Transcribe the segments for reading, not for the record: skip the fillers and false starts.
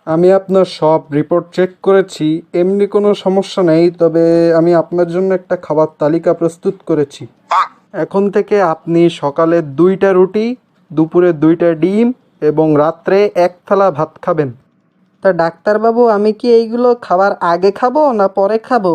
আমি আপনার সব রিপোর্ট চেক করেছি, এমনি কোনো সমস্যা নেই। তবে আমি আপনার জন্য একটা খাবার তালিকা প্রস্তুত করেছি। এখন থেকে আপনি সকালে 2টা রুটি, দুপুরে 2টা ডিম এবং রাত্রে 1 থালা ভাত খাবেন। তা ডাক্তারবাবু, আমি কি এইগুলো খাবার আগে খাবো না পরে খাবো?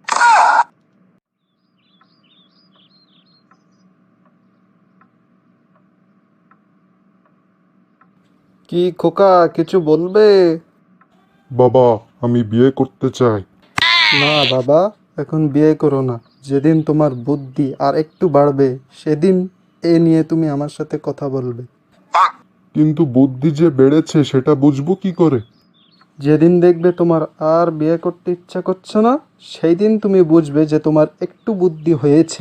কি খোকা, কিছু বলবে? বাবা, আমি বিয়ে করতে চাই। না বাবা, এখন বিয়ে করো না। যেদিন তোমার বুদ্ধি আর একটু বাড়বে সেদিন এ নিয়ে তুমি আমার সাথে কথা বলবে। কিন্তু বুদ্ধি যে বেড়েছে সেটা বুঝবো কি করে? যেদিন দেখবে তোমার আর বিয়ে করতে ইচ্ছা করছে না, সেই দিন তুমি বুঝবে যে তোমার একটু বুদ্ধি হয়েছে।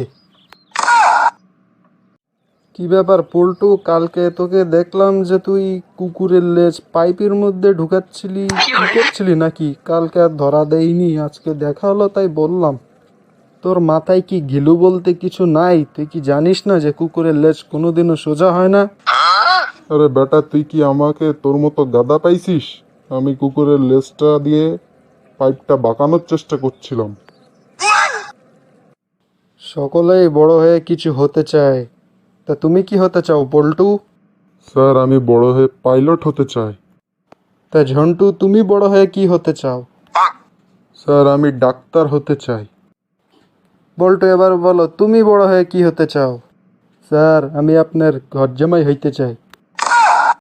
কি ব্যাপার পল্টু, কালকে তোকে দেখলাম যে তুই কুকুরের লেজ পাইপের মধ্যে ঢুকাচ্ছিলি, কি করছিলি নাকি? কালকে আর ধরা দেয়নি, আজকে দেখা হলো তাই বললাম। তোর মাথায় কি ঘিলু বলতে কিছু নাই? তুই কি জানিস না যে কুকুরের লেজ কোনোদিনও সোজা হয় না? আরে বেটা, তুই কি আমাকে তোর মতো গাদা পাইছিস? আমি কুকুরের লেজটা দিয়ে পাইপটা বাঁকানোর চেষ্টা করছিলাম। সকলেই বড় হয়ে কিছু হতে চায়। তা তুমি কি হতে চাও পল্টু? স্যার, আমি বড় হয়ে পাইলট হতে চাই। তা ঝন্টু, তুমি বড় হয়ে কি হতে চাও? স্যার, আমি ডাক্তার হতে চাই। বল্টু, এবার বলো তুমি বড় হয়ে কি হতে চাও? স্যার, আমি আপনার ঘর জামাই হইতে চাই।